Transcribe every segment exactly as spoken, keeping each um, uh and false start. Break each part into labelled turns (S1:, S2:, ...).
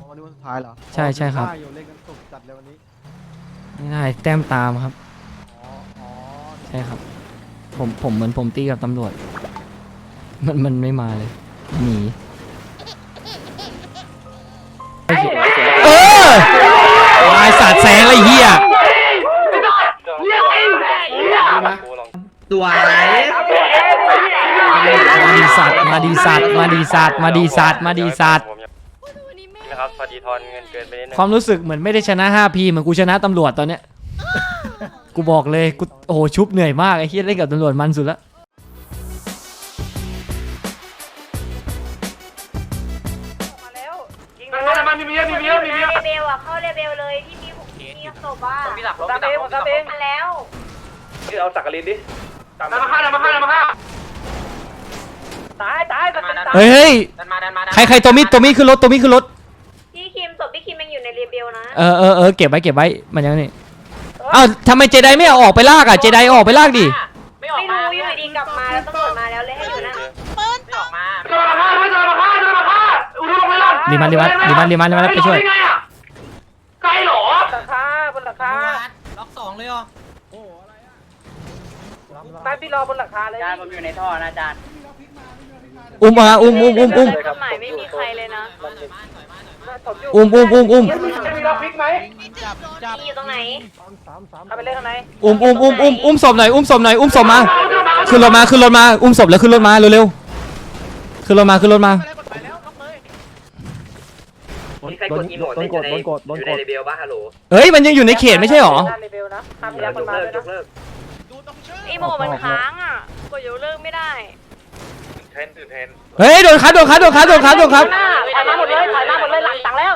S1: วันนี้วันสุดท้ายเหรอ
S2: ใช่ใช่ครับ
S1: อยู่เล่นกันสุกจัดเลยวันนี้
S2: ไม่ได้แต้มตามครับ
S1: อ๋ออ๋อ
S2: ใช่ครับผมผมเหมือนผมตีกับตำรวจมันมันไม่มาเลยหนีเออลายสาดแสงอะไรเหี้ย
S3: ตัวไหน
S2: มาดีสัตว์มาดีสัตว์มาดีสัตว์มาดีสัตว์มาดีสัตว์
S4: นะครับพอดีทอนเงินเกินไปนิดนึง
S2: ความรู้สึกเหมือนไม่ได้ชนะ ห้าพี เหมือนกูชนะตำรวจตอนเนี้ยกูบอกเลยกูโอ้โหชุบเหนื่อยมากไอ้เหี้ยเล่นกับตำรวจมันสุดละ
S5: มันมีเมียมีเมียมีเมียเบลอะเข้าเรเบลเลยที่มีมีศพอ่ะมีหลักตาเบลตาเบลมาแล้ว
S4: นี่เอาสักกะลินดิ
S5: ตามมาฆ่าตามมาฆ่าตามมาฆ่าตายตายกัน
S2: เฮ้ยเฮ้ยใครใครตัวมิดตัวมิดขึ้นรถตัวมิดขึ้นรถ
S5: พี่คิมศพพี่คิมยังอยู่ในเรเบลนะ
S2: เออเออเออเก็บไว้เก็บไว้มันยังนี่อ้าวทำไมเจไดไม่เอาออกไปลากอ่ะเจไดออกไปลากดิ
S5: ไม่รู้อยู่ดีกลับมาแล้วตำรวจมาแล้วเลยให้อยู่นั่นปืนตกมา
S4: จะมาฆ่าจะมาฆ่าจะมาฆ่าอุดมไปแล้ว
S2: รีมันรีมันรีมันรีมันรีมันไปช่วย
S4: ไกลหรอ
S5: หลังคาบนหลังคา
S3: ล็อกสองเลยเหรอ
S1: โอ้อะไรอ่ะ
S5: ตายพี่รอบนหลังคาเลย
S3: จานผมอยู่ในท่อนะจาน
S2: อุ้มมาอุ้มอุ้มอุ้มอุ้ม
S5: หมายไม่มีใครเลยนะ
S2: อุ้มอุ้มอุ้มอุ้ม
S5: มีล็อกพิกไหมมีอยู่ตรงไหนเอาไปเล่นข้างใน
S2: อุ้มอุ้มอุ้มอุ้มอุ้มศพหน่อยอุ้มศพหน่อยอุ้มศพมาขึ้นรถมาขึ้นรถมาอุ้มศพแล้วขึ้นรถมาเร็วๆขึ้นรถมาขึ้นรถมา
S4: ใครกดอีโมดโดนกดโดนกดโดนกดในเบลบ้าฮัลโหล
S2: เฮ้ยมันยังอยู่ในเขตไม่ใช่หรอ
S4: จบเลิกจบเลิก
S5: อีโมมันค้างอ่ะกดยกเลิกไม่ได้
S4: เทนตื่นเทน
S2: เฮ้ยโดนคัดโดนคัดโดนคัดโดนคัดโดนคัด
S5: ถ่ายมาหมดเลยถ่ายมาหมดเลยหลังตังแล้ว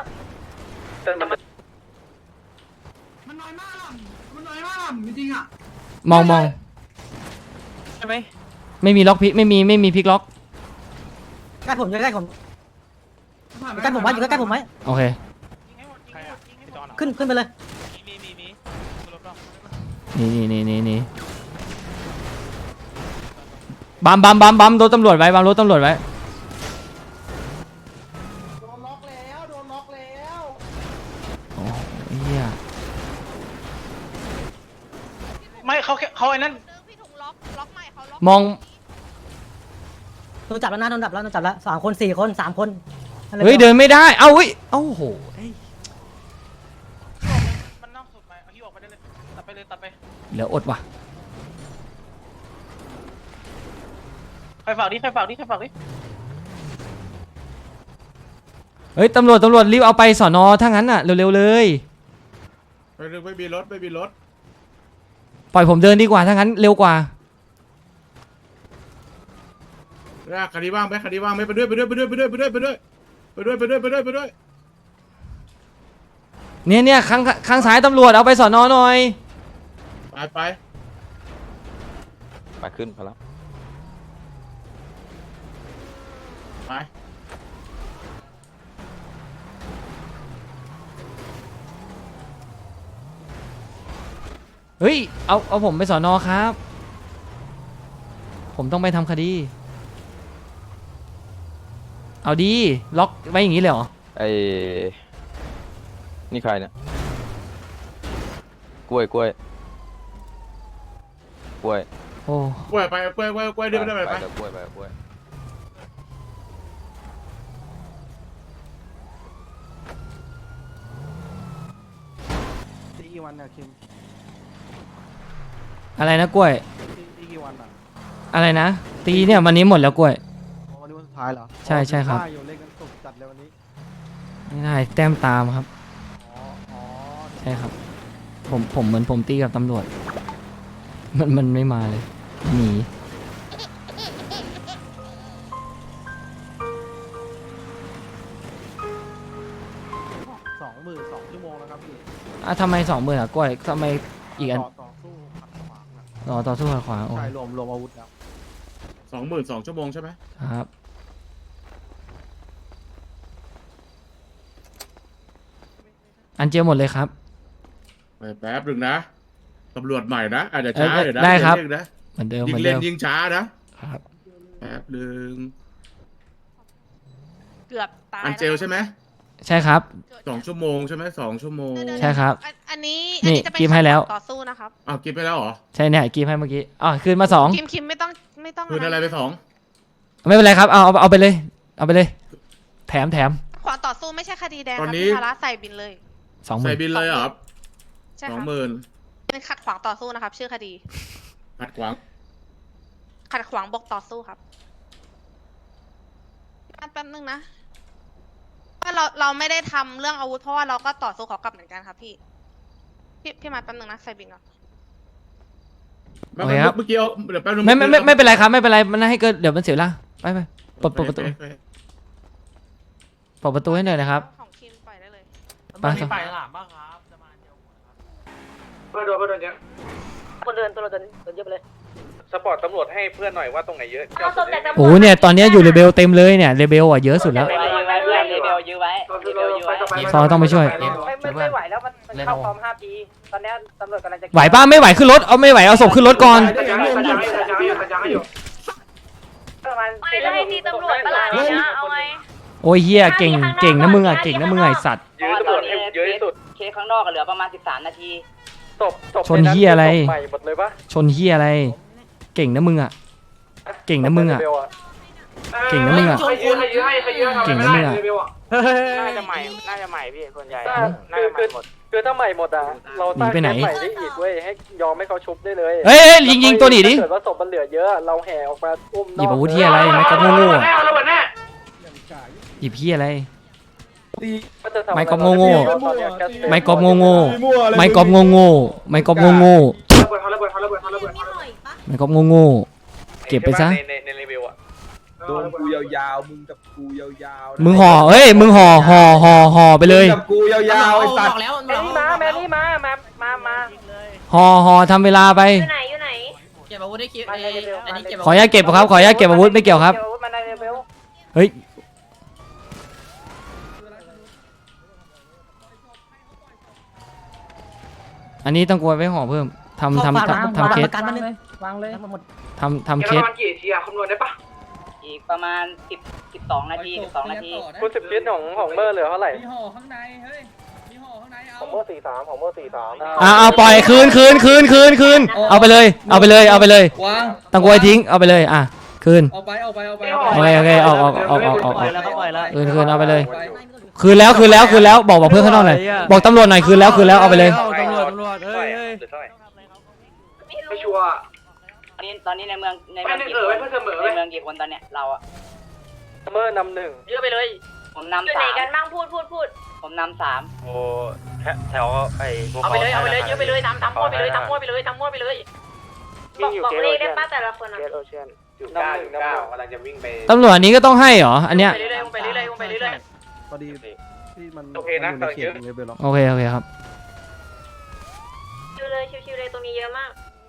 S3: มันน้อยมากมันน้อยมากจริงอ่ะ
S2: มองมอง
S3: ใช่ไหม
S2: ไม่มีล็อกพิกไม่มีไม่มีพิกล็อก
S3: ใกล้ผมใกล้ผมใกล้ผมไว้อยู่ใกล้ผมไว้
S2: โอเค
S3: ขึ้นขึ้นไปเลย
S2: นี่นี่นี่นี่นี่บัมบัมบัมบัมรถตำรวจไว้บัมรถตำรวจไว้
S1: โดนล็อกแล้วโดนล็อกแล้ว
S2: โอ้เหี้ย
S3: ไม่เขาเขาไอ้นั่น
S2: มอง
S3: โดนจับแล้วนะโดนจับแล้วโดนจับแล้วสามคนสี่คนสามคน
S2: เฮ้ยเดินไม่ได้เอ้าเฮ้ยเอ้าโห
S3: มันนอกสุดไปเอาที่ออกไปได้เลยตัดไปเลยตัดไป
S2: เหลืออดว่ะ
S3: ใครฝากดิใครฝากดิใครฝากดิ
S2: เฮ้ยตำรวจตำรวจรีบเอาไปสอนอถ้างั้นอ่ะเร็วๆเลย
S1: ไปเร็วไม่มีรถไม่มีรถ
S2: ปล่อยผมเดินดีกว่าถ้างั้นเร็วกว่า
S1: คดีว่างไหมคดีว่างไหมไปด้วยไปด้วยไปด้วยไปด้วยไปด้วยไปด้วยไปด้วยไปด้วยไปด้วยไปด้วย
S2: เนี่ยเนี่ยข้างข้างซ้ายตำรวจเอาไปสอนอหน่อย
S1: ไปไป
S4: ไปขึ้นพอแล้ว
S1: ไป
S2: เฮ้ยเอาเอาผมไปสอนอครับผมต้องไปทำคดีเอาดีล็อกไว้อย่างนี้เลยเหรอ
S4: ไอ้นี่ใครเนี่ยกล้วยกล้วยกล้วย
S2: โอ้
S1: กล้วยไปกล้วยกล้วยกล้วยดิไปไปไป
S4: กล้วยไปกล้วย
S1: ตีกี่วันเนี่ยคิม
S2: อะไรนะกล้วย
S1: ตีกี่วันอ่ะ
S2: อะไรนะตีเนี่ยวันนี้หมดแล้วกล้วย
S1: วันนี้วันสุดท้ายเหรอ
S2: ใช่ใช่ครับ
S1: อยู่เล่นกันสุกจัดเลยวันนี้
S2: ไม่ได้แต้มตามครับ
S1: อ๋ออ๋อ
S2: ใช่ครับผมผมเหมือนผมตีกับตำรวจมันมันไม่มาเลยหนี
S1: สองหมื่นสองชั่วโมงแล้วครับพี่
S2: อ่ะทำไมสองหมื่นอ่ะกล้วยทำไมอีกอัน
S1: ต่อสู้ขัดขวาง
S2: รอต่อสู้ขัดขวาง
S1: ใช่รวมรวมอาวุธแล้วสองหมื่นสองชั่วโมงใช่ไหม
S2: ครับอันเจียวหมดเลยครับ
S1: แป๊บหนึ่งนะตำรวจใหม่นะอาจจะช้าเดี๋ยวนะ
S2: ได้ครับเหมือนเดิม
S1: ยิงเล่นยิงช้านะครับแป๊บหนึ่ง
S5: เกือบตาย
S1: อันเจลใช่ไหม
S2: ใช่ครับ
S1: สองชั่วโมงใช่ไหมสองชั่วโมง
S2: ใช่ครับ
S6: อันอันนี้
S2: นี่
S6: อัจะเป็น
S2: กิฟต์ให้แล้ว
S6: ต่อสู้นะครับ
S1: อ้าวกินไปแล้วเหรอ
S2: ใช่เนี่ยกีมให้เมื่อกี้อ๋อคืนมาสอง
S6: คิมคิมไม่ต้องไม่ต้อง
S1: คืนอะไรไปสอง
S2: ไม่เป็นไรครับเอาเอาเอาไปเลย เอาไปเลย แถมแถม
S6: ขวางต่อสู้ไม่ใช่คดีแดง
S1: ต
S6: ค
S1: อน
S6: รับ
S1: นี้
S6: พี่พาระใส่บินเลย
S2: สองห
S1: ใส่
S2: มื่น
S1: บินเลยเหรอครับ
S6: ใช่
S1: ส
S6: ค
S1: อง
S6: รับ
S1: หมื่น
S6: เป็นขัดขวางต่อสู้นะครับ ชื่อคดี
S1: ขัดขวาง
S6: ขัดขวางบกต่อสู้ครับแป๊บนึงนะว่าเราเราไม่ได้ทำเรื่องอาวุธเพราะว่าเราก็ต่อสู้เขากลับเหมือนกันครับพี่พี่พี่มาแป๊บนึงนะใส่บินก่อน
S1: เมื่อกี้เอาเดี๋ยวแป๊บนึง
S2: ไม่ไม่ไม่ไม่เป็นไรครับไม่เป็นไรมันให้เกิดเดี๋ยวมันเสียเวลาไปไปเปิดเปิดประตูเปิดประตูให้หน่อยนะครับ
S6: ของคิมปล่อยได้เลย
S2: ไปครับ
S7: ไปหลามบ้างครับจะมาเดียว
S4: เพื่อนโดนเพื่อนโดนเยอะ
S3: คนเดินตัวเราเดินเดินเยอะไปเลย
S4: สปอร์ตตำรวจให้เพื่อนหน่อยว่าตรงไหนเยอะ
S5: เอาศพจากตำรวจ
S2: โอ้โหเนี่ยตอนนี้อยู่เลเบลเต็มเลยเนี่ยเลเบลอ่ะเยอะสุดแล้ว
S4: เลเบลยื้อไว้เลเบลยื้อไว้
S2: ซอต้องไปช่วย
S3: ไม่ไม่ไม่ไหวแล้วมันมันเข้าฟอร์มห้าปีตอนนี้ตำรวจกำลังจะ
S2: ไหวป้าไม่ไหวขึ้นรถเอาไม่ไหวเอาศพขึ้นรถก่อน
S3: ประมาณ
S5: ไม่แล้วให้ตีตำรวจประหลาดเนี่ยเอาไง
S2: โอ้ยเฮียเก่งเก่งนะมึงอ่ะเก่งนะมึงไอสัตว์
S4: ยื้อตำรวจให้เยอะที่สุด
S3: เคสข้างนอกเหลือประมาณสิบสามนาที
S4: ศพศพ
S2: ชนเหี้ยอะไร
S4: ใหม่หมดเลยปะ
S2: ชนเฮียอะไร เก่งนะมึงอ่ะเก่งนะมึงอ่ะเก่งนะมึงอ่ะ
S4: ใครยื้อใครยื้อให้ใครยื้อ
S2: เก่งนะมึงอ่ะ
S4: น่าจะใหม่น่าจะใหม่พี่ส่วนใหญ่น่าจะใหม่หมดคือถ้าใหม่หมดอ่ะเราตั้งแคสใหม่ได้อีกเว้ยให้ยอมให้เขาชุบได้เลย
S2: เอ้ยเอ้ยยิงยิงตัวหนีดิ
S4: ถ้าเกิดว่าศพมันเหลือเยอะเราแห่ออกมาอุ้ม
S2: หยิบอาวุธเฮียอะไรไม่ก็โง่ๆอะหยิบเฮียอะไร ไม่ก๊อปโง่ๆ ไม่กอบโง่โง่ๆไม่กอบโง่โง่ๆไม่กอบโง่โง่ๆไม่กอบโง่โง่ๆเก็บไปซะ
S4: ในในรีวิวอ่ะ
S7: โดนกูยาวๆมึงกับกูยาวๆ
S2: มึงห่อเอ้ยมึงห่อห่อห่อห่อไปเลย
S7: กับกูยาวๆไอ้สัตว์
S3: แมรี่มาแมรี่มามามามา
S2: ห่อห่อทำเวลาไป
S5: อยู่ไหนอยู่ไหน
S3: เก็บอาวุธได้คิดอันนี้เก็บ
S2: ขออนุญาตเก็บครับขออนุญาตเก็บอาวุธไม่เกี่ยวครับ
S3: มาในเลเวล
S2: เฮ้ยอันนี้ต้องกลัวไว้ห่อเพิ่มทำทำทำทำเคส
S3: การมันเลยวางเลยหมด
S2: ทำทำเคส
S4: กี่ทีอะคำนวณได้ปะ
S3: อีกประมาณสิบสิบสองนาทีสิบสองนาที
S4: คุณสิบคิดของของเมอร์เหลือเท่าไหร่
S7: มีห่อข้างในเฮ้ยมีห่อข้างในเอา
S4: ของเมอร์สี่สามของเมอร์สี่สาม
S2: อ่าเอาปล่อยคืนคืนคืนคืนคืนเอาไปเลยเอาไปเลยเอาไปเลยว
S7: าง
S2: ต้องกลัวทิ้งเอาไปเลยอ่ะคืน
S7: เอาไปเอาไปเอาไป
S2: โอเคโอเคออกออกออกออกออกออก
S3: แล้วก็ปล่อยแล้ว
S2: คืนคืนเอาไปเลย คืนแล้วคืนแล้วคืนแล้วบอกบอกเพื่อนข้างนอกหน่อยบอกตำรวจหน่อยคืนแล้วคืนแล้วเอาไปเลย
S4: ตำรวจตำรวจเฮ้ยเฮ้ยหรือเท่าไหร่
S5: ไม่รู้
S4: ไม่ชัวร์
S3: ตอนนี้ตอนนี้ในเมืองในเมืองกี่
S4: เอ
S3: ค
S4: อน ไว้เพื่อเสมอ
S3: ในเมืองกี่คนตอนเนี้ยเราอะ
S4: เมอร์นำหนึ่ง
S3: เยอะไปเลยผม
S5: อยู่
S3: นำ
S5: ไหน
S3: สาม
S5: กันบ้างพูดพูดพูด
S3: ผมนำสาม
S4: โอ้แถวไอ้
S3: เอาไปเลยเอาไปเลยเยอะไปเลยทำทำมั่วไปเลยทำมั่วไปเลยทำมั่วไปเลย
S5: บอกบอกเลขได้ป้าแต่ละคนอ่ะ
S4: เกตโอเชียนอยู่เก้าอยู่เก้ากำลังจะวิ่งไป
S2: ตำรวจอันนี้ก็ต้องให้เหรออันเนี้ย
S3: ไปเรื่อยๆไปเรื่อยๆไปเรื่อย
S7: พอดีที่มัน
S4: โอเคนะ
S7: มั
S4: กำลัง
S7: เข
S4: เย
S7: ต
S4: อะ
S7: เลเวลล็อก
S2: โอเคโอเคครับ
S5: ชิวเลยชิวๆเลยตรงนี้เยอะมาก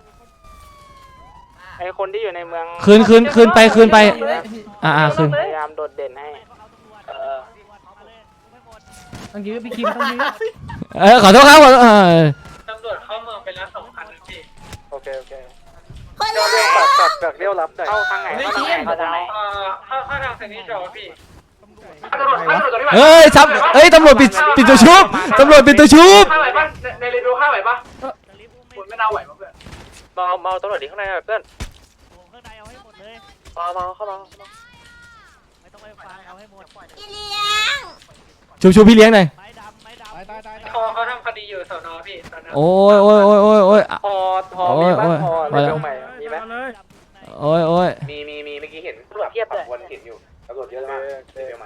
S4: ไอ้คนที่อยู่ในเมือง
S2: คืนคืนคืนไปคืนไปอ่าอ่าคืน
S4: พยายามโดดเด่นให้
S3: ๆเออ
S7: ต้องยื้อพี่คิมต้องยื้อ
S2: เออขอโทษครับขอโทษเออ
S4: ตำรวจเข้าเมืองไปแล้วสองคันพี่โอเคโอเคเรียวตัดตัดจากเรียวรับหน่อยเข้าทางไหนเข้าทางไหน
S3: เข้าทางไหน
S4: เอ่อเข้าเข้าทางเซนิจอพี่
S2: เฮ้ยซับเฮ้ยตำรวจปิดปิดตัวชุบตำรวจปิดตัวชุบ
S4: ข้าไหวปะในรีวิวข้าไหวปะคุณไม่น่าไหวปะเพื่อนเมาเมาตำรวจดีข้างในหน่อยเพื่อน
S7: ข้างในเอาให้หมดเลย
S4: เมาเมาเข้ามา
S7: ไม่ต้องไปฟังเอาให้หมด
S2: ชุบชุบพี่เลี้ยงหน่อย
S7: ไม้ดำไม้ดำตายตายตาย
S4: เขาเขาทำคดีอยู่สอนอพี่สอนอ
S2: โอ้ยโอ้ยโอ้ยโอ้ยโอ้ย
S4: พอพอมีบ้างพอรีวิวใหม่มีไหม
S2: โอ้ยโอ้ย
S4: มีมีมีเมื่อกี้เห็นแบบปักวนเห็นอยู่ตำรวจเยอะมากรีวิวใหม่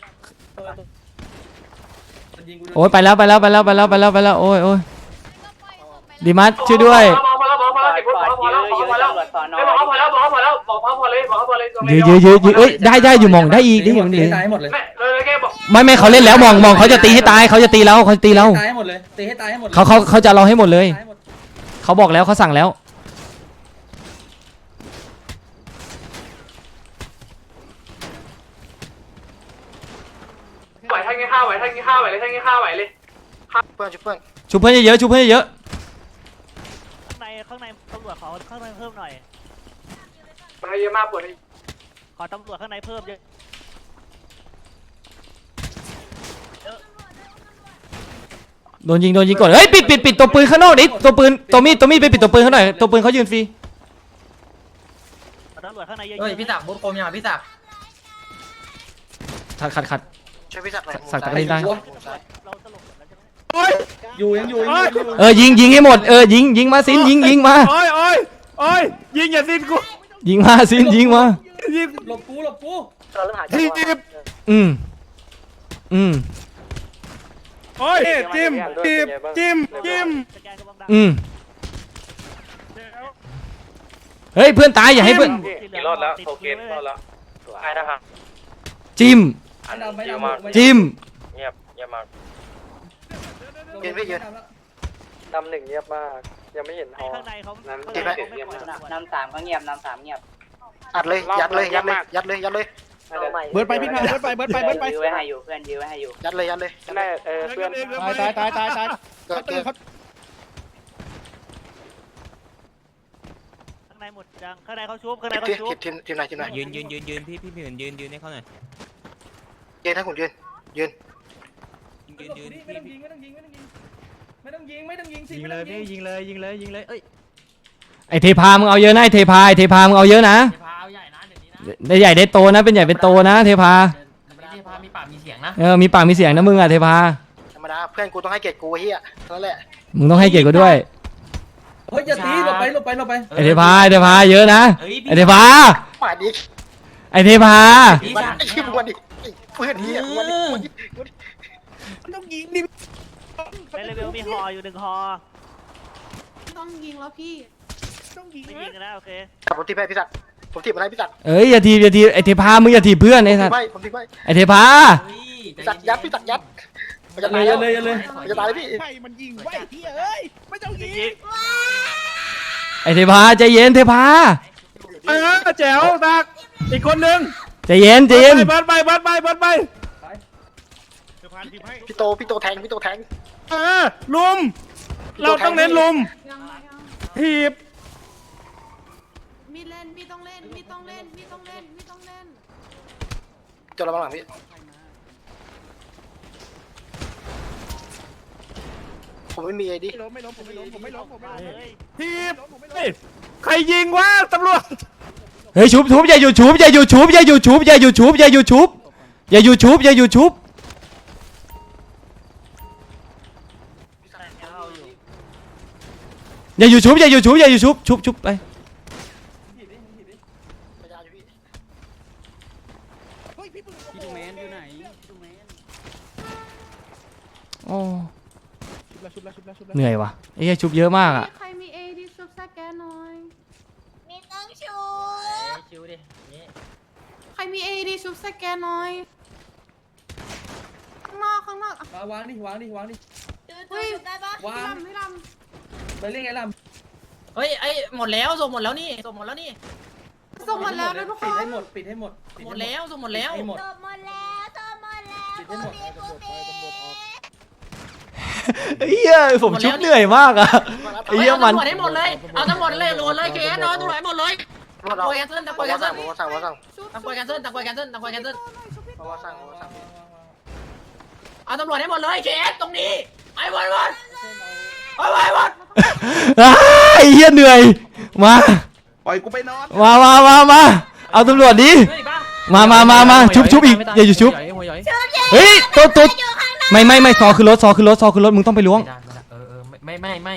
S2: โอ้ยไปแล้วไปแล้วไปแล้วไปแล้วไปแล้วไปแล้วโอ้ยโอ้ยดีมัสช่วยด้วย
S4: พอพอแล้วพอพอแล้วสิบพอพอแล้วพอพอแล้ว
S3: ตำรวจสอนอ
S4: ไม่บอกพอแล้วบอกพอแล้วบอกพอเลยบอกพอเลย
S2: ยืดยืดยืดยืดเอ้ยได้ได้อยู่มองได้อีกได้อยู่มันเหลือ
S7: ตายหมดเลย
S4: ไม่เลยแค่บอก
S2: ไม่ไม่เขาเล่นแล้วมองมองเขาจะตีให้ตายเขาจะตีเราเขาจะตีเรา
S7: ตายให้หมดเลยตีให้ตายให้หมด
S2: เขาเขาเขาจะเอาเราให้หมดเลย
S7: ตายให้หมด
S2: เขาบอกแล้วเขาสั่งแล้ว
S4: ไหวท่านงี้ข้าวไหวท่านงี้ข้าวไหวเลยท่านงี้ข้าวไหวเลยเพื่อนเพื่อน
S2: ชุบเพื่อนเยอะๆชุบเพื่อนเยอะ
S7: ข้างในข้างในตำรวจขอข้างในเพิ่มหน่อย
S4: มันเยอะมากปวด
S7: ขอตำรวจข้างในเพิ่มเยอะ
S2: โดนยิงโดนยิงก่อนเฮ้ยปิดปิดปิดตัวปืนข้างนอกดิตัวปืนตัวมีดตัวมีดไปปิดตัวปืนเขาหน่อยตัวปืนเขายืนฟรี
S7: ตำรวจข้างในเยอะๆ
S3: เฮ้ยพี่ศักดิ์บุญคมยังพี่ศักดิ์
S2: ขัดขัดขัด
S3: ช่วยพี่ศักดิ์หน่อย
S2: สักตะกร้ได้
S7: เราตลกกันแล้วใช่ไหม
S1: โอ้ย
S8: อยู่ยังอยู่ยังอยู่
S2: เออยิงยิงให้หมดเออยิงยิงมาซินยิงยิงมา
S1: โอ้ยโอ้ยโอ้ยยิงอย่าสิ้นกู
S2: ยิงมาซินยิงมา
S1: ยิง
S8: หลบกูหลบกู
S4: เราเริ่มหาจัง
S1: ที
S4: หวะ
S1: บ
S2: อืมอืม
S1: โอ้ยจิ้มจิ้มจิ้มจิ้ม
S7: สแกนกำลังดัง
S2: อืมเฮ้ยเพื่อนตายอย่าให้เพื่อน
S7: กี่รอดแล้วโอเครอดแล้ว
S4: ไอ้นะครับ
S2: จิ้ม
S8: ไม่ดำไม่ดำ
S2: จิ้ม
S4: เงียบเงียบมาก
S3: ยืนพี่ยืน
S4: นำหนึ่งเงียบมากยังไม่เห็นฮอ
S7: ข้างในเขา
S4: น้ำ
S7: ข้างในเขาไม่ปล่อยตำรวจ
S3: นำสามก็เงียบนำสามเงียบอัดเลยยัดเลยยัดเลยยัดเลยยัดเลย
S8: เบิร์ดไปพี่พาเบิร์ดไปเบิร์ดไปเบิร์ดไป
S3: ยื้อไว้ให้อยู่เพื่อนยื้อไว้ให้อยู่ยัดเลยยัดเลย
S4: แม่เออเพื่อน
S8: ตายตายตายตายตาย
S3: เกิดเกิด
S7: ข้างในหมดจังข้างในเขาชุบข้างในเขา
S3: ทีม
S7: ชุบ
S3: ทีมทีมไหนทีมไหน
S9: ยืนยืนยืนยืนพี่พี่พี่เหมือนยืนยืนให้เขาหน่อย
S3: ยืนถ้าคุณยืนยืน
S9: ยืนยืนยืน
S8: ไม่ต้องยิงไม่ต้องยิงไม่ต้องยิงไม่ต้องยิงไม่ต้องยิงสิ
S9: ยิงเลยพี่ยิงเลยยิงเลยยิงเลยเอ้ย
S2: ไอเทพามึงเอาเยอะนะไอเทพาไอเทพามึงเอาเยอะนะ
S9: พาเอาใหญ่นะเดี๋ยวนี้นะ
S2: ได้ใหญ่ได้โตนะเป็นใหญ่เป็นโตนะเทพา
S9: เทพามีปากมีเสียงนะ
S2: เออมีปากมีเสียงนะมึงอะเทพา
S3: ธรรมดาเพื่อนกูต้องให้เกียรติกูเฮียนั่นแหละ
S2: มึงต้องให้เกียรติกูด้วย
S8: เฮ้ยอย่าตีหลบไปหลบไปหลบไป
S2: ไอเทพาไอเทพาเยอะนะ
S9: เฮ้ย
S2: ไอเทพา
S3: ป่าดิ
S2: ไอเทพา
S3: มันไอ้ขี้มันดิเพื่อนเฮียมันดิ
S8: ต้องยิงดิ
S7: ในเลเวลมีฮออยู่หนึ่งฮอ
S6: ต้องยิงแล้วพี่
S8: ต้องยิง
S7: ไม่ยิงนะโอเค
S3: ผมทีมให้พี่ศักดิ์ผมทีมอะไรพี่ศักดิ์
S2: เอ้ยอย่าทีบอย่าทีบไอเทพามึงอย่าทีบเพื่อนไอสัตว์
S3: ไม่ผมทีมไม่
S2: ไอเทพา
S3: พี่ศักดิ์ยัดพี่ศักดิ์ยัดมันจะ
S8: เล
S3: ตาย
S8: ย
S3: แล้ว
S8: เลยเลย
S3: มันจะตายแล้วพี่
S8: ไฟมันยิงไว้เฮียเอ้ยไม่ต้องยิง
S2: ไอเทพาใจเย็นเทพา
S1: เออแจ๋วตักอีกคนนึง
S2: ใจเย็นใจเย็น
S1: เบิร์ดไปเบิร์ดไปเบิร์ดไป
S3: พี่โตพี่โตแทงพี่โตแทง
S1: เออลุมเราต้องเน้นลุมทีบ
S6: มีเล่นมีต้องเล่นมีต้องเล่นมีต้องเล่นมีต้องเล่น
S3: จนระวังหลังพี่ผมไม่มีไอ้ดิ
S8: ไม่ล้มไม่ล้มผมไม่ล้มผมไม่ล้มผมไม่ล้ม
S7: เฮ้ย
S1: ทีบเฮ้ยใครยิงวะตำรวจ
S2: เฮ้ยชุบชุบอย่าหยุดชุบอย่าหยุดชุบอย่าหยุดชุบอย่าหยุดชุบอย่าหยุดชุบอย่าหยุดชุบอย่าหยุดชุบอย่าหยุดชุบอย่าหยุดชุบอย่าหยุดชุบชุบชุบไปโอ้เหนื่อยว่ะไอ้เหี้ยชุบเยอะมากอ่ะ
S6: ใครมีเอดีซุปสแกนหน่อยมีต้องชู
S9: ชิวดิ
S6: ใครมีเอดีซุปสแกนหน่อยข้างนอกข้างนอก
S8: มาวางดิวางดิวางดิ
S6: เฮ้ย
S8: วาง
S6: ลำไม่ล
S8: ไปเล่นไงล่ะ
S9: เฮ้ยไอ้หมดแล้วส่งหมดแล้วนี่ส่งหมดแล้วนี่
S6: ำส่งหมดแล้วนะทุกค
S8: ปิด
S6: น
S8: ให้หมดปิดให้หมด
S9: หมดแล้วส่งหมดแล้ว
S8: ให้หมด
S6: จบหมดแล้วจบหมดแล้ว
S8: ปิดให้หมด
S2: เฮียผมชุบเหนื่อยมากอะไอ้เฮียมัน
S9: ตำรวจให้หมดเลยเอาตำรวจเลยหมดเลยเคสนอนตำรวจให้หมดเลย
S3: พวกเรา
S9: ปล่อยแคนเซิลปล่อยแคนเซิล
S3: ผมว่าสั่งผมว่าสั่ง
S9: ตำรวจแคนเซิลตำรวจแคนเซิลตำรวจแคนเซิล
S3: ผมว่าสั่งผมว่าสั่ง
S9: เอาตำรวจให้หมดเลยเคสตรงนี้ไอ้หมดหมดไอ้หมดหมด
S2: อ้าไอ้เฮียเหนื่อยมา
S8: ปล่อยกูไปนอน
S2: มามามามาเอาตำรวจดิมามามามาชุบชุบอีกอย่าหยุดชุบเฮ้ยตัวตัวไม่ไม่ไม่ซอคือรถซอคือรถซอคือรถมึงต้องไปล้วง
S9: เออเออไม่ไม่ไม่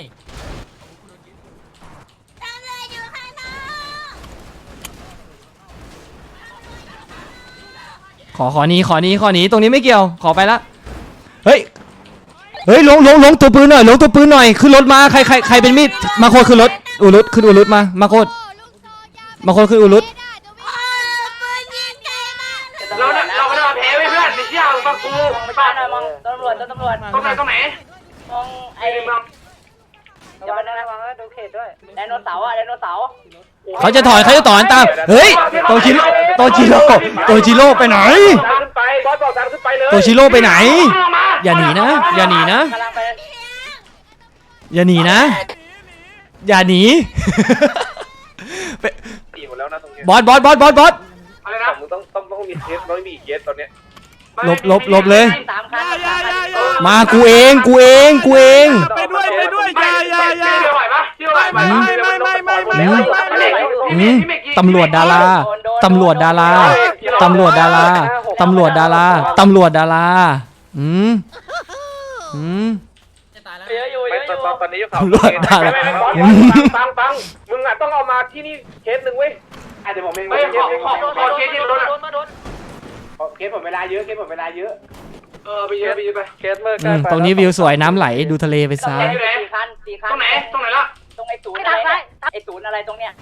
S2: ขอขอนี้ขอนี้ขอนี้ตรงนี้ไม่เกี่ยวขอไปละเฮ้ยเฮ้ยลงลงลงตัวปืนหน่อยลงตัวปืนหน่อยขึ้นรถมาใครใครใครเป็นมีดมาโคตรขึ้นรถอุรุตขึ้นอุรุตมามาโคตรมาโคตรขึ้นอุรุต
S4: เราเราไม่ได้มาแพ้เพื่อนไม่เชื่อฟังกูไปบ้านหน่อยมองตำรวจตำรวจตรงไหนตรงไหนมองไอ้มองอย่าไปนะมองดูเขตด้วยไดโนเสาร์อะไดโนเสาร์
S2: เขาจะถอยเขาจะถอนตามเฮ้ยโตชิโร่โตชิโร่โตชิโร่ไปไหน
S4: ขึ้นไปบอสบอกตามขึ้นไปเลย
S2: โตชิโร่ไปไหนอย่าหนีนะอย่าหนีนะ
S4: กำลังไป
S2: อย่าหนีนะอย่าหนี
S4: ตีหมดแล้วนะตรงนี้
S2: บอสบอสบอสบอสบอส
S4: อะไรนะมึงต้องต้องต้องมีเคสต้องมีเคสตอนเนี้ย
S2: หลบหลบหลบเลย
S4: สามคัน
S1: อย่าอย่าอย่า
S2: มากูเองกูเองกูเอง
S1: ไปด้วยไปด้วยอย่าอย่าอย่า
S4: ไหวปะไหว
S1: ไม่ไม่ไม่ไม่ไม่ไม่ไม่ไม่
S2: อืมตำรวจดาราตำรวจดาราตำรวจดาราตำรวจดาราตำรวจดาราอืมอืม
S9: จะตายแล้ว
S4: เยอะอยู่เยอะอยู่
S8: ตอนนี้ยกเขา
S2: ตำรวจดาราอืม
S8: ฟังฟังมึงอ่ะต้องเอามาที่นี่เคสหนึ่งเว้ยอ่ะเดี๋ยวผมเอง
S4: ไม่ขอขอขอเคสที่รถอ่ะ
S8: เคสผมเวลาเยอะเคสผมเวลาเยอะ
S4: เออไปเยอะไปเยอะไป
S8: เคสเมื่อ
S2: อืมตรงนี้วิวสวยน้ำไหลดูทะเลไปซะ
S4: อยู่ไหนสี่คันสี่คันตรงไหนตรงไหนละตรงไอ้ศูนย์อะไรไอ้ศูนย์อะไรตรงเนี้ย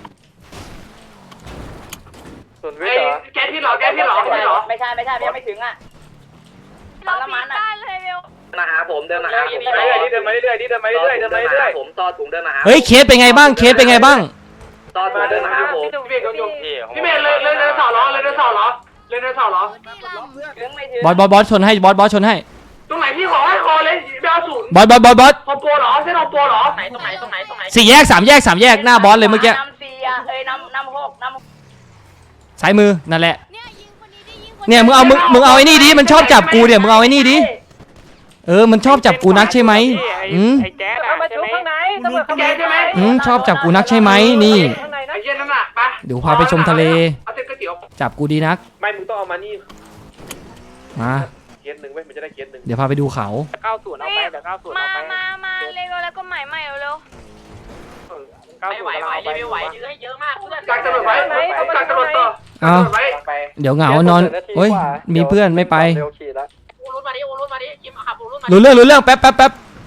S8: ส่วนวิ
S4: ไอ้
S8: ทย์เหรอ
S4: แกที่หรอแกที่หรอไม่หรอไม่ใช่ไม่ใช่ยังไม่ถึงอ่ะ
S5: เราปีนได้เลยเบล
S4: มาหาผมเดินมาหาผม
S8: เรื่อยๆเดินมาเรื่อยๆเดินมาเรื่อยๆเดินมาเรื่อยๆ
S4: ผมต่อถุงเดินมาหา
S2: เฮ้ยเคสเป็นไงบ้างเคสเป็นไงบ้าง
S4: ต่อถุงเดินมาหาผมพี่เบลพี่เบลเลยเลยเลยสอล้อเลยเลยสอล้อเลยเลยสอล้อถึงไม่ถึง
S2: บอสบอสบอสชนให้บอสบอสชนให้
S4: ตรงไหนพี่ขอให้คอเลยเบลศูนย์
S2: บอสบอสบอสบอส
S4: คอมโปหรอเส้นคอมโปหรอ
S9: ไหนตรงไหนตรงไหนตรงไหน
S2: สี่แยกสามแยกสามแยกหน้าบอสเลยเมื่อกี้
S4: น้ำสี่อ่ะเอ้ยน้ำน้ำหกน้ำ
S2: ซ้ายมือนั่นแหละ
S5: เนี่ยยิงคนนี้ดิยิงคน
S2: เนี่ยมึงเอามึงมึงเอาไอ้นี่ดิมันชอบจับกูเนี่ยมึงเอาไอ้นี่ดิเออมันชอบจับกูนักใช่ไหมอืม
S8: ไอ้แจ๊ดอะใช่ไหม
S4: ตำรวจข้างในใช่ไหม
S2: อืมชอบจับกูนักใช่ไหมนี่
S4: ไอ้เย็นนั่นน่ะไป
S2: เดี๋ยวพาไปชมทะเล
S4: เอาเส้นก๋วยเตี๋ยว
S2: จับกูดีนัก
S8: ไม่มึงต้องเอามานี่
S2: มา
S8: เคสหนึ่งเว้ยมันจะได้เคสหนึ่ง
S2: เดี๋ยวพาไปดูเขา
S8: เก้าศูนย์เอาไปเดี๋ยวเก้าศูนย์
S5: มา
S8: เอาไป
S5: มามาเร็วแล้วก็ใหม่ใหม่เร็ว
S8: ไม่ไหวไหวรีวิวไหวเยอะเยอะมากเพื่อน
S4: กักตำรวจไว้กักตำรวจต่อ
S2: เอา
S4: ไว้
S2: เดี๋ยวเหงานอนเฮ้ยมีเพื่อนไม่ไป
S9: อูรุดมาดิอูรุดมาดิคิมขับอูรุดมา
S2: รู้เรื่องรู้เรื่องแป๊บแป๊บแป๊บ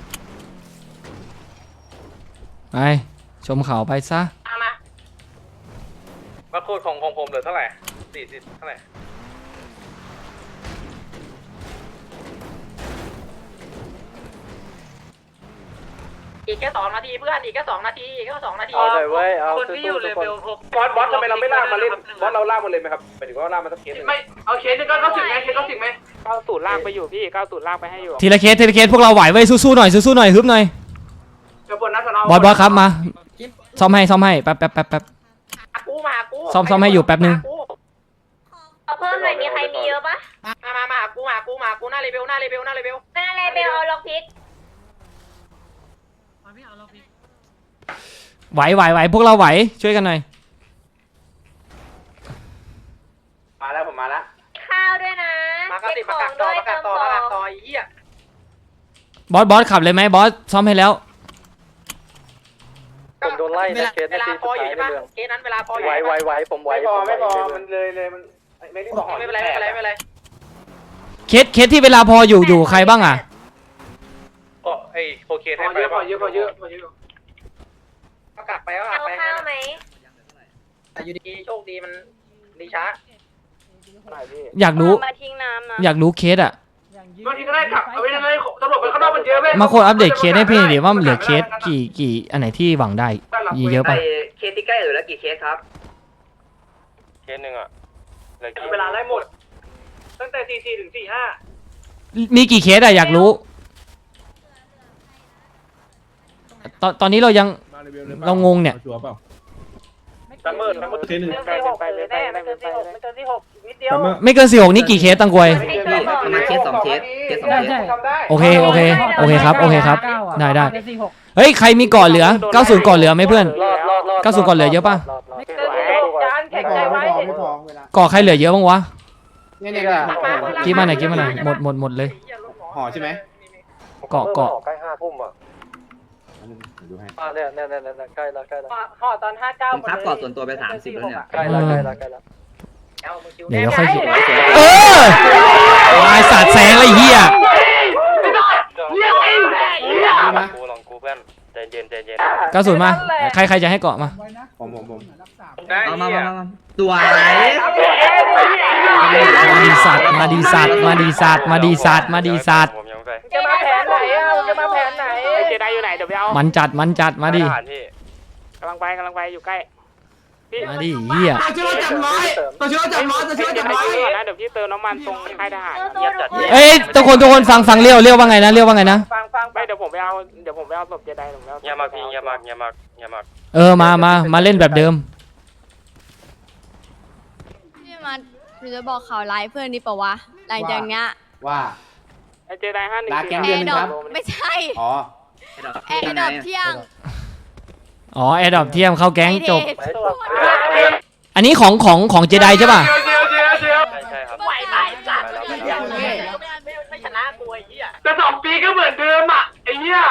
S2: ไปชมเขาไปซะ
S9: มา
S8: มาโคตรของของผมเหลือเท่าไหร่สี่สิบเท่าไหร่
S9: อีกแค่สองนาทีเพื่อนอีกแค่สองนาทีอีกแค่สองนาที
S8: เอาเลยเว้ยเอาคนที่อยู่เลเวลหกบอสบอสทำไมเราไม่ลากมาเล่นบอสเราลากมาเลยไหมครับหมายถึงว่าลากมาสักเคสหนึ่ง
S4: ไม่เอาเคสนึงก็เขาถึงไหมเคสเขาถึงไหม
S8: เก้าศูนย์ลากไปอยู่พี่เก้าศูนย์ลากไปให้อยู่
S2: ทีละเคสทีละเคสพวกเราไหวเว้ยสู้ๆหน่อยสู้ๆหน่อยฮึบหน่อย
S4: เดี๋ยวบนนัดสน
S2: บอสบอสครับมาซ่อมให้ซ่อมให้แป๊บแป๊บแป๊บแป๊บ
S9: กูมากู
S2: ซ่อมซ่อมให้อยู่แป๊บนึง
S5: เอาเพิ่มหน่อยมีใครมีเยอะปะ
S9: มามามากูมากูมากูหน้าเลเวลหน้าเลเวลหน้าเลเวล
S5: เป็นอะไรเบลเอาล็อกพิก
S2: ไหวไหวไหวพวกเราไหวช่วยกันหน่อย
S8: มาแล้วผมมาแล้ว
S5: ข้าวด้วยนะ
S9: มาก็
S5: เก็
S9: ติ
S5: บ
S9: ด
S5: ข
S9: มา
S5: อง
S9: กักต่
S5: ด้
S9: อ
S5: วย
S9: มากั
S5: เติ
S9: ก
S5: ม
S9: ต่อ
S5: ข
S9: มา
S5: อ
S9: กั
S5: ง
S9: กต่อไอ้เหี้ย
S2: บอสบอสขับเลยไหมบอสซ่อมให้แล้ว
S8: ผมโดนไล่นะเคส
S9: เวลาพออยู่ใช่ปะเคสนั้นเวลาพออยู่
S8: ไหวไหวไหวผมไหวไม่พอไม่พอมันเลยเลยมันไม่ได้บอก
S9: ไม่เป็นไรไม่เป็นไรไม่เป็นไร
S2: เคสเคสที่เวลาพออยู่อยู่ใครบ้างอ่ะ
S8: ก็ไอ้โอเค
S4: พอเยอะพอเยอะพอเยอะพอเยอะ
S9: ก็กักไปก็กั
S5: เอา
S9: กไป
S5: ข้าวไหม
S9: อยู่ดีโชคดีมันดีช้า
S2: อยากรู้
S5: มาทิ้งน้ำนะ
S2: อยากรู้เคสอ่ะ
S4: บางทีก็ได้ขับเอาไว้ในตำรวจไปข้างนอกมันเยอะเว้ย
S2: มาโคตรอัปเดตเคสให้พี่หน่อยดิว่ามันเหลือเคสกี่กี่อันไหนที่หวังได้เยอะๆป่ะ
S4: เคสที่ใกล้เหลือแล้วกี่เคสครับ
S8: เคสหนึ่งอ่ะ
S4: เวลาได้หมด ตั้งแต่สี่สี่ถึงสี่ห้า
S2: มีกี่เคสอะอยากรู้ตอนตอนนี้เรายังเรางงเนี่ย
S8: ซัมเมอร์ซัมเมอร์เคสหนึ่ง
S4: เกินสี่หกเลยแน่ไม่เกินสี่หกไม่เกินสี่หกนิดเดียว
S2: ไม่เกินสี่หกนี่กี่เคสตังกวย
S5: ให้ช่วยบอก
S4: ประ
S5: ห
S4: มา
S5: น่
S4: ณ
S5: อย
S4: เคสสองเคสเคสสองเคส
S2: โอเคโอเคโอเคครับโอเคครับได้ได้เฮ้ยใครมีก่อนเหลือเก้าสิบก่อนเหลือไหมเพื่อน
S8: รอดรอดรอด
S2: เก้าสิบก่อนเหลือเยอะป่ะ
S4: ไม่เกินสี่หกจานแข็งใจไว้
S2: ก่อใครเหลือเยอะบ้างวะ
S8: เนี่ยเนี่ย
S2: กี้มาหน่อยกี้มาหน่อยหมดหมดหมดเลย
S8: ห่อใช่ไหม
S2: เกาะเกาะ
S8: ใกล้ห้าทุ่มอ่ะเนี่ยเนี่ยเนี่ยเนี่ยใกล้แล้วใกล้แล้ว
S4: ห่อตอนห้าเก้า
S10: ผมครับก่อนส่วนตัวไปสามสิบแล้วเนี่ย
S8: ใกล้แล้วใกล้แล้วใกล้แล้ว
S2: เดี๋ยวเราค่อยเออลายสาดแสงอะไรเหี้ย
S8: กูลองกูเพื่อนใจเย็นใจเย็น
S2: เก้าสิบมาใครใครจะให้เกาะมา
S8: ผมผมผม
S10: เอามามามามาตัวไหน
S2: มาดีสัตว์มาดีสัตว์มาดีสัตว์มาดีสัตว์มาดีสัตว์
S8: ผมยังไป
S4: จะมาแผนไหนอ่ะจะมาแผนไหน
S8: เจไดอยู่ไหนเดี๋ยวไปเอา
S2: มันจัดมันจัดมาดิ
S8: กำลังไปกำลังไปอยู่ใกล้
S2: มาดิเหี้ย
S9: ตัวช่วยจับร้อยตัวช่วยจับร้อยตัวช่วยจับร้อย
S8: นะเดี๋ยวพี่เติมน้ำมันตรงค่ายทหาร
S2: เอ้ยทุกคนทุกคนฟังฟังเรียวเรียวว่าไงนะเรียวว่าไงนะ
S4: ฟังฟัง
S8: ไม่เดี๋ยวผมไปเอาเดี๋ยวผมไปเอาศพเจไดผมไปเอาอย่ามาพี่อย่ามาอย่ามาอย่ามา
S2: เออมามามาเล่นแบบเดิม
S5: พี่มานูจะบอกข่าวร้ายเพื่อนนี่ปะวะหลังจากเนี้ย
S8: ว่า
S4: ไอเจไดห้าหนึ่ง
S8: ลาแก๊ง
S5: แอ
S8: เดือนห
S5: ร์
S8: นึ
S5: ด
S8: ง
S5: อ
S8: ครั
S5: ป
S8: บ
S5: ไม่ใช่
S8: อ๋อ
S5: แอร์ดอปเที่ยง
S2: อ๋อแอร์ดรอปเทียมเข้าแก๊งจบ
S5: ไอ้เดช
S2: อันนี้ของของของเจไดใช่ป่ะ
S8: เจียวเจียวเจียว
S4: ใช่ใช่ครับ
S5: ไหวไหมจัด
S4: ไม่ชนะกูไอ้เหี้ยแต่สองปีก็เหมือนเดิมอ่ะไอ้เหี้ย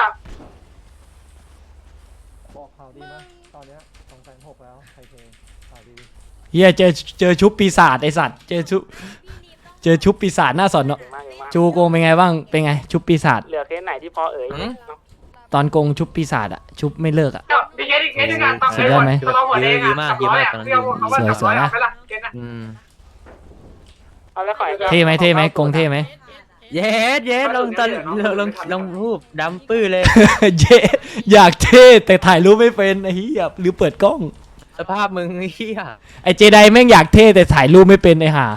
S3: บอกข่าวดีนะตอนเนี้ยสองแสนหกแล้วใครเคข่าวดี
S2: เฮียเจอเจอชุบปีศาจไอสัตว์เจอชุบเจอชุบปีศาจหน้าสอนเนาะจูโกงเป็นไงบ้างเป็นไงชุบปีศาจ
S4: เหลือเคสไหนที่พอเอ่ย
S2: ตอนโกงชุบปีศาจอะชุบไม่เลิกอะ
S4: ดีเคสดีเคสดีการตัง
S2: สุดยอดไหม
S4: ดีมากดีมากกำลังดี
S2: สวยๆนะ
S10: อืม
S4: เอาแล้วขอ
S2: เท่ไหมเท่ไหมโกงเท่ไหม
S10: เย็ดเย็ดลงตอนลงลงลงรูปดำปื้อเลย
S2: เย้อยากเท่แต่ถ่ายรูปไม่เป็นไอ้เหี้ยหรือเปิดกล้อง
S10: สภาพมึงเฮีย
S2: ไอเจไดแม่งอยากเท่แต่ถ่ายรูปไม่เป็นไอ้ห่า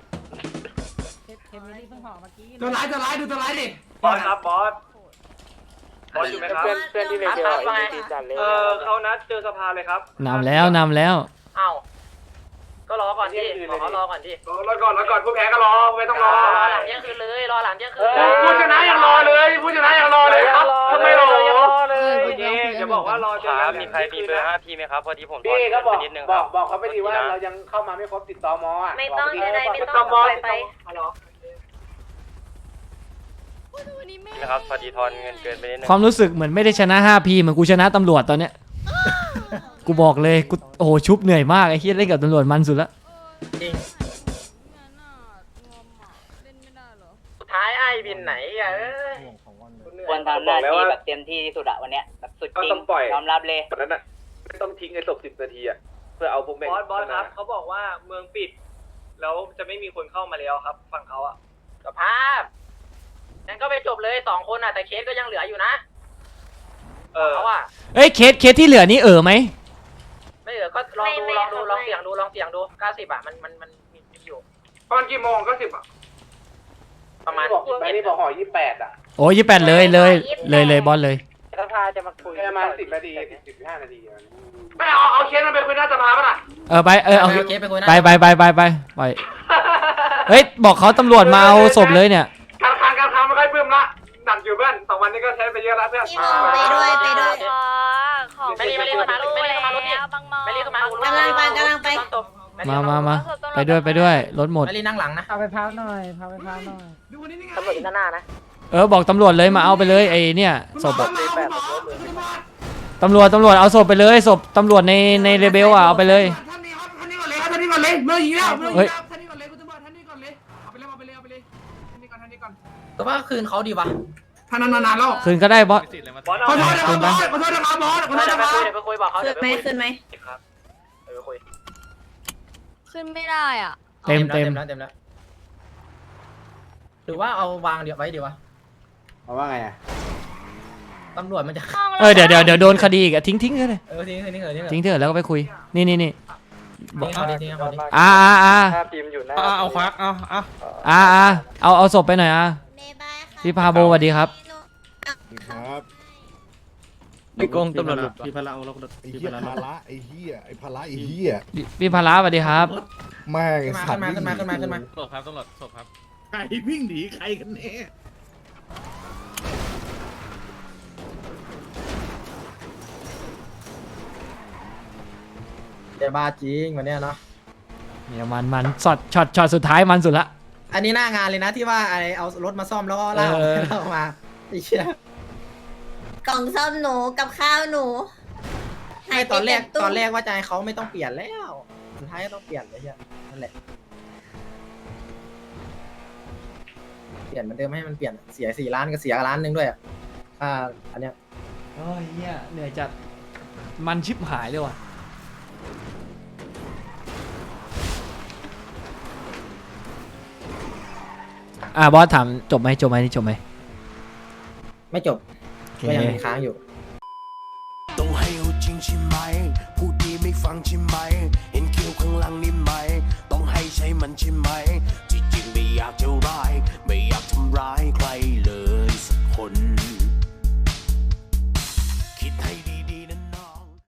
S9: ตัวร้ายตัวร้ายดูตัวร้ายดิ
S8: บอสครับบอสบอสอยู่ไหมครับ
S4: เพื่อนเพื่อนที่เรียนเดียวไอ้ที่จัดเลย
S8: เออเขานัดเจอสภาเลยครับ
S2: นำแล้วนำแล้ว
S4: เอ้าก็รอก่อนดิขอเขารอก่อนดิ
S8: รอก่อนรอก่อนผู้แพ้ก็รอไม่ต้องรอ
S4: รอหลังเที่ยงคืนเลยรอหลังเที่ยงคืน
S8: ผู้ชนะยังรอเลยผู้ชนะยังรอเลยครับทำไมรอ
S4: ยังรอเลย
S8: เดี๋ยวบอกว่ารอจน
S11: มีใครมีเบอร์ห้าพี่ไหมครับพอดีผม
S8: พี่ก็บอก
S11: นิดนึง
S8: บอกบอกเขาไปดีว่าเรายังเข้ามาไม่ครบติดต่อมออ่ะ
S5: ไม่ต้องอะไรไม่
S8: ติด
S5: ต้
S8: ต่
S5: อ
S8: อง มอ
S5: ปล่อยไป
S11: นะครับพอดีทอนเงินเกินไปนิดนึง
S2: ความรู้สึกเหมือนไม่ได้ชนะ ห้าพี เหมือนกูชนะตำรวจตอนเนี้ย กูบอกเลยกูโอ้โหชุบเหนื่อยมากไอ้เฮียเล่นกับตำรวจมันสุดละ
S4: สุดท้ายไอ้บินไหนอ่ะเอ้ย
S10: ควรทำหน้าที่แบบเต็มที่ที่สุดอะวันเนี้ยแบบสุดจริงยอมรับเลย
S8: วันนั้นอ่ะไม่ต้องทิ้งไอ้ศพสิบนาทีอ่ะเพื่อเอาพวกแม่ง
S11: บอสบอสครับเขาบอกว่าเมืองปิด แล้วจะไม่มีคนเข้ามาแล้วครับฝั่งเขาอะ
S4: สภาพงั้นก็ไปจบเลยสองคนอ่ะแต่เคสก็ยังเหลืออยู่นะ
S11: เออ
S4: เขาอ่ะ
S2: เอ้ยเคสเคสที่เหลือนี่เออไหม
S4: ไม่เหลือก็ลองดูลองดูลองเสี่ยงดูลองเสี่ยงดูเก้าสิบอ่ะมันมันมันมีอยู่
S8: ตอนกี่โมงก็สิบอ่ะ
S4: ประมาณ
S8: บอกไปนี่บอกห่อยี่แปดอ่ะ
S2: โอ้ยี่แปดเลยเลยเลยเลยบอสเลย
S4: สภาจะมาคุย
S8: ประมาณสิบนาทีสิบห้านาทีไม่เอาเอาเคสมันไปคุยหน้าสภาป่ะล่ะ
S2: เออไปเออเอา
S3: โอเคไปคุยนะ
S2: ไปไปไปไปไปไปเฮ้ยบอกเขาตำรวจมาเอาศพเลยเนี่ย
S8: การค้างการค้างไม่ค่อยเพิ่มละหนักอยู่เพื่อนสองวันนี้ก็ใช้ไปเยอะแล้วเพื่อน
S5: พี่มองไปด้วยไปด้วย ขอ
S4: ไม่รีบไม่รีบมาไม่รีบมารถนี่
S5: บางมอ
S4: ไม่รีบมาก
S5: ำลังไปกำลังไป
S2: มามามาไปด้วยไปด้วยรถหมด
S3: ไปรีนั่งหลังนะพาไปพักหน่อยพาไปพักหน่อย
S4: ตำรวจอยู่หน้านะ
S2: เออบอกตำรวจเลยมาเอาไปเลยไอ้เนี่ยศพอะตำรวจตำรวจเอาศพไปเลยศพตำรวจในในเรเบลอะเอาไปเลย
S9: ท่านนี้ครับท่านนี้ก่อนเลยครับท่านนี้ก่อนเลยเมื่อกี้แล้วเมื่อ
S2: เฮ้ย
S9: กี้แล้วท่านนี้ก่อนเลยคุณตำรวจท่านนี้ก่อนเลยเอาไปเลยเอาไปเลยเอาไปเลยท่านนี้ก่อนท่านนี้ก่อน
S3: ก็ว่าคืนเขาดีวะ
S9: ท่านนานๆแล้ว
S2: คืนก็ได้บอส
S11: บอส
S9: ขอโทษนะครับบอสขอโทษนะครับบอสขอโทษ
S4: เดี๋
S9: นะ
S4: ยว
S9: ค
S4: ไป
S9: รับ
S4: คุยเดี๋ยวไปคุยบอกเขา
S5: ขึ้
S4: เดี๋ย
S5: น
S4: ว
S5: ไหม
S4: ไปคุย
S5: ขึ้นไหม
S4: ครับเดี๋ยวไปคุย
S5: ขึ้นไม่ได้อ่ะ
S2: เต็มเต็ม
S3: แล้วเต็มแล้วหรือว่าเอาวางเดี๋ยวไว้ดีวะ
S8: เอาว่าไงอ่ะ
S3: ตำรวจมันจะ
S2: เออเดี๋ยวเดี๋ยวเดี๋ยวโดนคดีอีกอะทิ้งทิ้งเลย
S3: เออทิ้งทิ้งเถอะทิ้งเถอะ
S2: ทิ้งเถอะแล้วก็ไปคุยนี่นี่นี่
S3: ทิ้งเขาดิทิ้งเขาดิ
S2: อ่าอ่าอ่า
S11: ถ้าพิมพ์อยู่หน้า
S10: เอาควักเอาเอา
S2: อ่าอ่าเอาเอาศพไปหน่อยอ่ะ
S5: เมย์บายค่ะ
S2: พี่พาโบสวัสดีครับ
S1: ครับ
S10: ไม่โกงตำรวจหลุด
S1: พี่พละเอาเราไอ้เหี้ยพละไอ้เหี้ยไอ้พละไอ้เหี้ย
S2: พี่พี่พาราสวัสดีครับ
S1: แม่ง
S3: ขึ้นมาขึ้นมาขึ้นมาขึ้นมาขึ้นมา
S10: ศพครับตำรวจศพครับ
S1: ใครวิ่งหนีใครกันแน่
S3: เดี๋ยวบ้าจริงวันเนี้ยเนาะ
S2: เนี่ยมันมันช็อตช็อตช็อตสุดท้ายมันสุดละ
S3: อันนี้หน้างานเลยนะที่ว่าไอเอารถมาซ่อมแล้วก็ลาก
S2: เออ
S3: ลากมาไอ้เชี่ย
S5: กล่องซ่อมหนูกับข้าวหนู
S3: ไอตอนแรก
S5: หายไปจากตู้
S3: ตอนแรกว่าใจเขาไม่ต้องเปลี่ยนแล้วสุดท้ายก็ต้องเปลี่ยนเลยเชี่ยนั่นแหละเปลี่ยนเหมือนเดิมให้มันเปลี่ยนเสียสี่ล้านก็เสียล้านหนึ่งด้วยอ่ะอ่าอันเนี้ย
S2: โอ้ยเหี้ยเหนื่อยจัดมันชิบหายเลยว่ะอ่าบอสถามจบไหมจบไหมนี่จบไหม
S3: ไม่จบ
S2: โอเค
S3: ก็ยังมีค้างอยู่
S12: ต้องให้เอาจริงใช่ไหมพูดดีไม่ฟังใช่ไหมเห็นคิ้วข้างหลังนี่ไหมต้องให้ใช้มันใช่ไหมที่จริงไม่อยากจะร้ายไม่อยากทำร้าย